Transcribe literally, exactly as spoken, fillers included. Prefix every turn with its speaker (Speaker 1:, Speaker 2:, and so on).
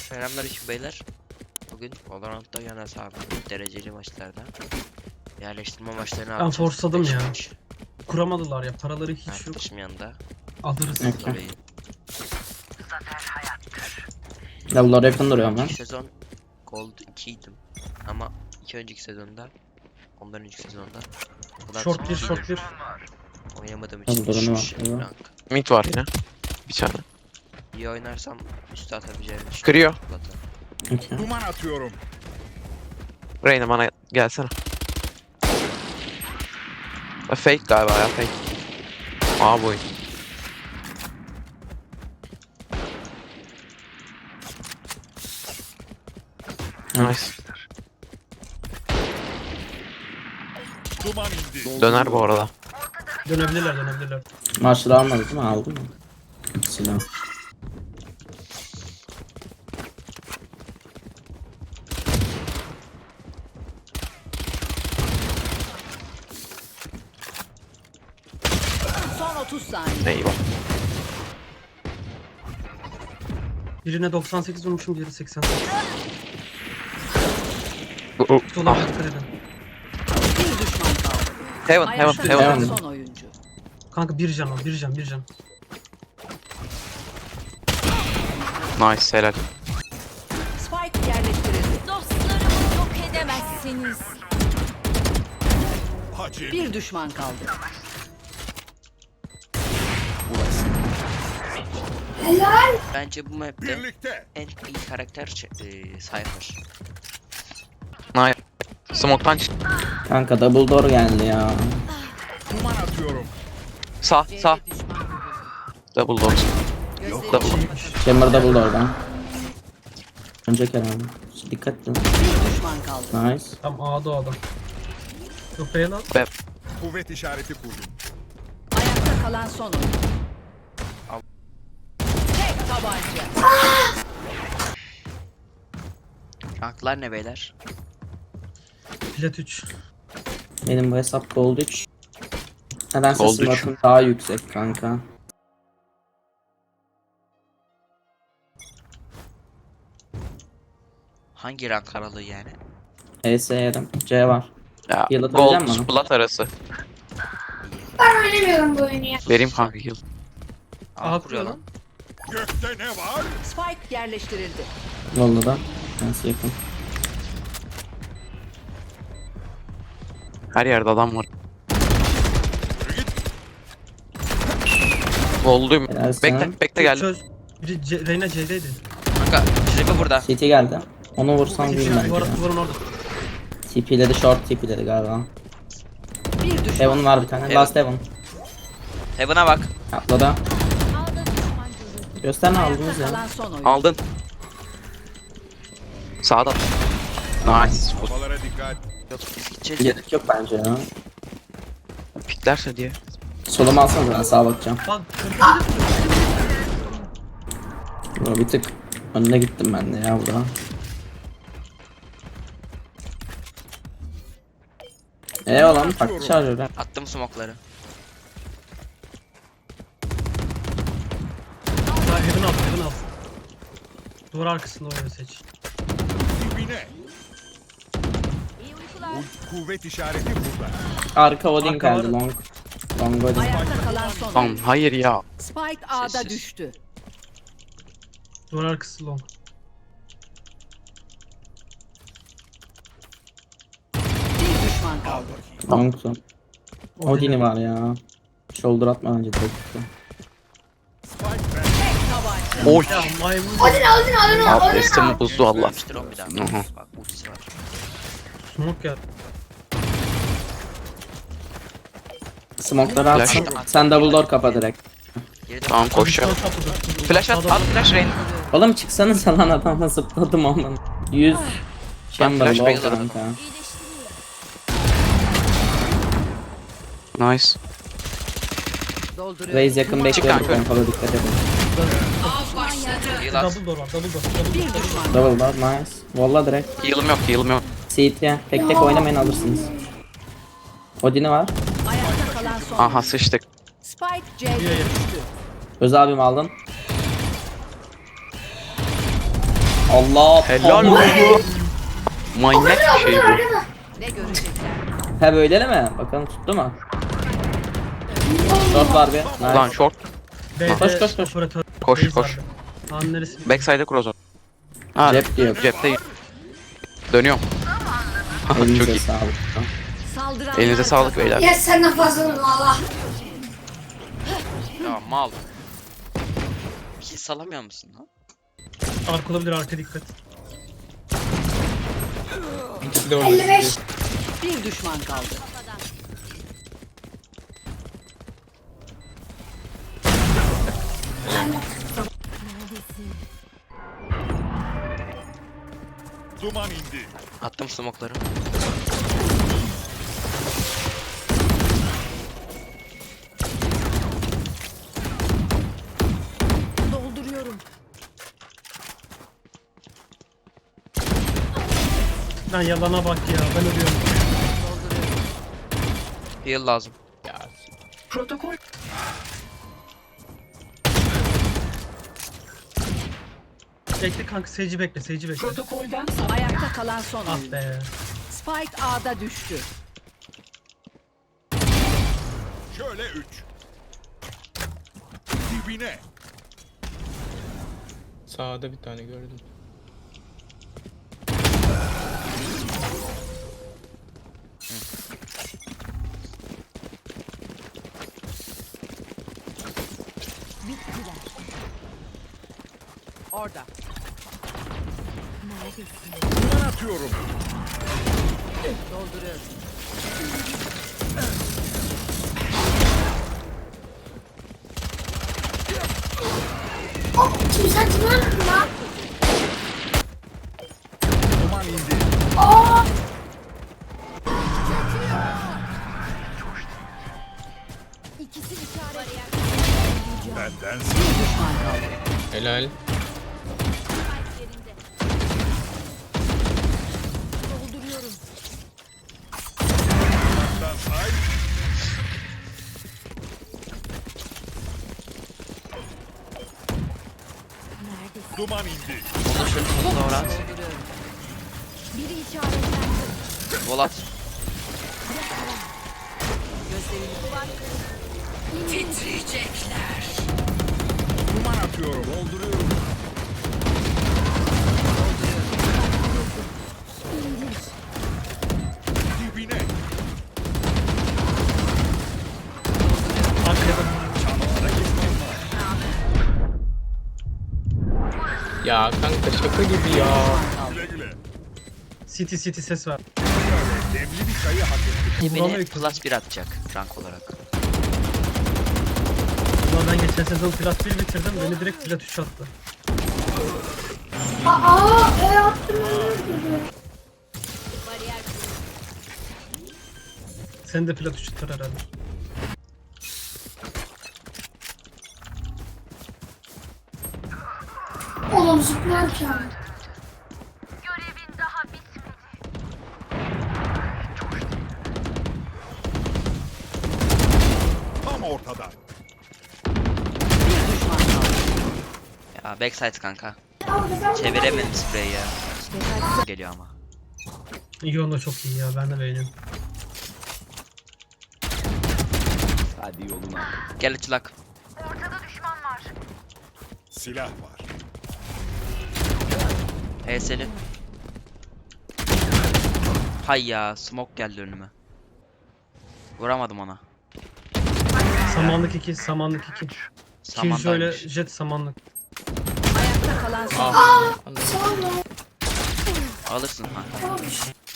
Speaker 1: Selamünaleyküm beyler. Bugün Valorant'ta yana abi dereceli maçlarda yerleştirme maçlarını
Speaker 2: Ben
Speaker 1: yapacağız.
Speaker 2: forsladım
Speaker 1: Beş
Speaker 2: ya.
Speaker 1: maç.
Speaker 2: Kuramadılar ya. Paraları hiç yok.
Speaker 1: Arkadaşım yanında.
Speaker 2: Alırız.
Speaker 3: Okay.
Speaker 1: Tabii.
Speaker 3: Level'lar yakın duruyor ama.
Speaker 1: İlk sezon Gold ikiydim. Ama iki önceki sezonda ondan önceki sezonda Gold
Speaker 2: Short bir,
Speaker 1: ikiydim.
Speaker 2: short bir.
Speaker 1: Oynamadığım için
Speaker 3: Tabii, duranı
Speaker 1: düşmüş
Speaker 3: var, eyvah.
Speaker 1: rank.
Speaker 4: Mid var yine. Bir tane.
Speaker 1: İyi oynarsam üstü atabileceğim için.
Speaker 4: Kırıyor.
Speaker 3: Okay.
Speaker 5: Duman atıyorum.
Speaker 4: Reyna bana gelsene. E, Fake galiba ya fake. Aa bu oyun. Nice.
Speaker 5: Duman indi.
Speaker 4: Döner bu arada.
Speaker 2: Dönebilirler dönebilirler.
Speaker 3: Maçları almadı değil mi? Aldı mı? Silah.
Speaker 6: Son otuz saniye.
Speaker 4: Eyvah.
Speaker 2: Birine doksan sekiz vurmuşum, diğeri seksen sekiz.
Speaker 4: Bu- bu-
Speaker 2: Dolar
Speaker 4: Ah.
Speaker 2: dikkat edin.
Speaker 6: Bir düşman kaldı.
Speaker 4: Heaven heaven
Speaker 6: Ayakta
Speaker 4: heaven.
Speaker 6: kalan
Speaker 3: Heaven.
Speaker 6: son oyuncu.
Speaker 2: Kanka bir can o, bir can, bir can.
Speaker 4: Nice helal.
Speaker 6: Spike yerleştirildi.
Speaker 7: Dostlarımı yok edemezsiniz.
Speaker 5: Hacı.
Speaker 6: Bir düşman kaldı.
Speaker 1: Bence bu map'te
Speaker 5: Birlikte.
Speaker 1: en iyi karakter ç- e, Cypher.
Speaker 4: Nice. Smoke'tan çık.
Speaker 3: Kanka double door geldi ya.
Speaker 5: Duman atıyorum.
Speaker 4: Sağ sağ. Double door. Double.
Speaker 3: Chamber double door'dan. Önceki herhalde. Dikkat edin.
Speaker 6: Bir düşman kaldı.
Speaker 3: Nice.
Speaker 2: Tam A'da o adam. Yok be lan.
Speaker 4: Ve
Speaker 5: Kuvvet işareti kurdum.
Speaker 6: Ayakta kalan son oyuncu.
Speaker 1: Al.
Speaker 6: Tek tabanca.
Speaker 1: Ranklar ne beyler?
Speaker 2: Plat üç.
Speaker 3: Benim bu hesap gold üç. Nedense
Speaker 4: Gold üç.
Speaker 3: smart'ın daha yüksek kanka.
Speaker 1: Hangi rank aralığı yani?
Speaker 3: E S yedim. C var.
Speaker 4: ya
Speaker 3: Heal atabilecek
Speaker 4: gold
Speaker 3: misin bana?
Speaker 4: plat arası.
Speaker 7: Ben oynamıyorum bu oyunu ya.
Speaker 4: Vereyim kanka heal.
Speaker 1: Aa,
Speaker 2: Aa,
Speaker 1: kuruyor
Speaker 2: kuruyor
Speaker 1: lan.
Speaker 5: Gökte ne var?
Speaker 6: Spike yerleştirildi.
Speaker 3: Yolda da. Nasıl yakın.
Speaker 4: Her yerde adam var. Gold'uyum.
Speaker 3: Helal sana.
Speaker 4: Bekle bekle geldi.
Speaker 2: Çöz. Biri C Reyna C'deydi.
Speaker 1: Kanka Tribe burada.
Speaker 3: C T geldi. Onu vursam
Speaker 2: Bir
Speaker 3: değil
Speaker 2: şey
Speaker 3: bence.
Speaker 2: duvar, duvarın orada.
Speaker 3: T P'ledi, short T P'ledi galiba.
Speaker 6: Bir düşman.
Speaker 3: Heaven var bir tane.
Speaker 1: Heaven.
Speaker 3: Last Heaven.
Speaker 1: Heaven'a bak.
Speaker 3: Atladı.
Speaker 7: Ağda düşman görüldü.
Speaker 3: Göster ne
Speaker 6: Ayakta
Speaker 3: aldınız ya.
Speaker 6: kalan son oyuncu.
Speaker 4: Aldın. Sağda. Nice.
Speaker 5: Havalara dikkat.
Speaker 1: Yok biz gideceğiz ya.
Speaker 3: Gerek yok bence ya.
Speaker 4: Piklerse diye.
Speaker 3: Solumu alsanız ben sağa bakacağım.
Speaker 2: Bak.
Speaker 3: Bro, bir tık önüne gittim ben de ya burada. Eee olan farklı şarjör ha.
Speaker 1: Attım smoke'ları.
Speaker 2: Daha Heaven al, Heaven al. Duvar arkasında oyunu seç.
Speaker 5: Dibine.
Speaker 7: İyi uykular.
Speaker 5: Kuvvet işareti burada.
Speaker 3: Arka Odin
Speaker 2: Arka
Speaker 3: geldi
Speaker 2: var.
Speaker 3: long. Long Odin.
Speaker 6: Ayakta kalan son
Speaker 4: Tamam
Speaker 6: oyuncu.
Speaker 4: hayır ya.
Speaker 6: Spike A'da
Speaker 1: Sessiz.
Speaker 6: düştü.
Speaker 2: Duvar arkası long.
Speaker 6: Bir düşman kaldı.
Speaker 3: Long'tu. Odin'i var ya. Shoulder atma bence direkt.
Speaker 5: Spike ben.
Speaker 6: Tabanca.
Speaker 4: Oy.
Speaker 2: Ya maymun.
Speaker 4: Abi üstümü buzdu Allah.
Speaker 1: Yapmıştır on bir daha.
Speaker 4: Aha.
Speaker 1: Bak ultisi var.
Speaker 2: Smoke ya.
Speaker 3: Smoke'ları atsın.
Speaker 1: Flash.
Speaker 3: Sen double door kapa direkt.
Speaker 1: Geri dön.
Speaker 4: Tamam koşacağım.
Speaker 2: Sol kapıda.
Speaker 4: Flash at
Speaker 2: Sağda-
Speaker 4: at flash rain.
Speaker 3: Oğlum çıksanız lan adamla zıpladım ondan. yüz chamber
Speaker 4: flash
Speaker 3: low
Speaker 4: bayılırım.
Speaker 3: kanka.
Speaker 7: İyileştiriyor.
Speaker 4: Nice.
Speaker 6: Dolduruyor.
Speaker 3: Raise yakın bekliyorum
Speaker 4: kanka.
Speaker 3: pompalı dikkat edin.
Speaker 1: Heal at.
Speaker 2: Double door var, double door. Double
Speaker 6: Bir
Speaker 2: door.
Speaker 6: düşman.
Speaker 3: Double door nice. Valla direkt.
Speaker 4: Heal'ım yok heal'ım yok.
Speaker 3: C T tek tek oynamayın alırsınız. Odin'i var.
Speaker 6: Ayakta kalan son
Speaker 4: Aha
Speaker 6: oyuncu.
Speaker 4: sıçtık.
Speaker 6: Spike C'de düştü.
Speaker 3: Öz abim aldın. Allah.
Speaker 4: Helal
Speaker 3: Allah.
Speaker 4: olsun. Manyak bir şey bu.
Speaker 6: Ne görecekler?
Speaker 3: He böyle mi? Bakalım tuttu mu? Short var bir. Nice.
Speaker 4: Lan short.
Speaker 2: B'de
Speaker 3: Koş, koş, koş.
Speaker 2: operatör.
Speaker 4: Koş,
Speaker 2: Base
Speaker 4: koş.
Speaker 2: vardı. Kaan neresi?
Speaker 4: Backside'e cross at. Ha,
Speaker 3: Cep diyor.
Speaker 4: cepteyim. Dönüyorum. Çok
Speaker 3: Elinize
Speaker 4: iyi.
Speaker 3: sağlık.
Speaker 6: Saldıranlar
Speaker 4: Elinize sağlık
Speaker 6: kazandı.
Speaker 4: beyler.
Speaker 8: Ya senden fazla valla.
Speaker 4: Ya mal.
Speaker 1: Bir şey salamıyor musun lan?
Speaker 2: Arka olabilir, arka dikkat.
Speaker 8: elli beş.
Speaker 6: Bir düşman kaldı.
Speaker 5: Duman indi.
Speaker 1: Attım smoke'ları.
Speaker 6: Dolduruyorum.
Speaker 2: Lan yalana bak ya, ben ölüyorum.
Speaker 1: Heal lazım.
Speaker 2: Bekle kanka, seyirci bekle, seyirci bekle.
Speaker 6: Ayakta kalan son
Speaker 2: Ah
Speaker 6: oyuncu.
Speaker 2: be.
Speaker 6: Spike A'da düştü.
Speaker 5: Şöyle üç. Dibine.
Speaker 9: Sağda bir tane gördüm.
Speaker 6: Orada.
Speaker 5: Duman atıyorum.
Speaker 6: Dolduruyorum.
Speaker 8: Oh, kim sen kim lan? Lan.
Speaker 5: Duman indi.
Speaker 8: Aa.
Speaker 7: İkisi işaret.
Speaker 5: Benden
Speaker 6: Bir düşman kaldı.
Speaker 9: Helal.
Speaker 7: Yerinde. Dolduruyorum.
Speaker 5: sağdan say.
Speaker 7: Neredesin?
Speaker 5: Duman indi.
Speaker 1: Doğru at.
Speaker 6: Dolduruyorum.
Speaker 7: Biri işaretlendi.
Speaker 1: Vol at.
Speaker 6: Gözlerini
Speaker 5: Duman atıyorum. Dolduruyorum. Dibine.
Speaker 2: Arkaya bak.
Speaker 9: Ya kanka şaka gibi ya.
Speaker 5: Güle güle.
Speaker 2: City city ses var.
Speaker 5: Demli bir çayı hak ettik.
Speaker 2: Buranı
Speaker 1: Beni
Speaker 2: yıktım.
Speaker 1: plus bir atacak rank olarak.
Speaker 2: Ulan ben geçen sezon plat bir bitirdim, beni direkt plat üç attı.
Speaker 8: Aa, e attım öyle.
Speaker 7: Bariyer
Speaker 2: Sen de plat üç tutar herhalde.
Speaker 8: Oğlum zıplar ki abi.
Speaker 5: Tam ortada.
Speaker 6: bir düşman kaldı.
Speaker 1: Ya backside kanka. Çeviremedim spreyi ya. Geliyor ama.
Speaker 2: İyi onda çok iyi ya, ben de beğeniyorum.
Speaker 1: Gel açılak.
Speaker 5: Silah var.
Speaker 1: H S'li. Hay ya, smoke geldi önüme. Vuramadım ona.
Speaker 2: Samanlık iki, samanlık iki. Ki şöyle
Speaker 1: Samandaymış.
Speaker 2: jet samanlık.
Speaker 6: Ayakta kalan son
Speaker 9: Ah.
Speaker 8: Sağ ol.
Speaker 1: Alırsın kanka.
Speaker 8: Tamam.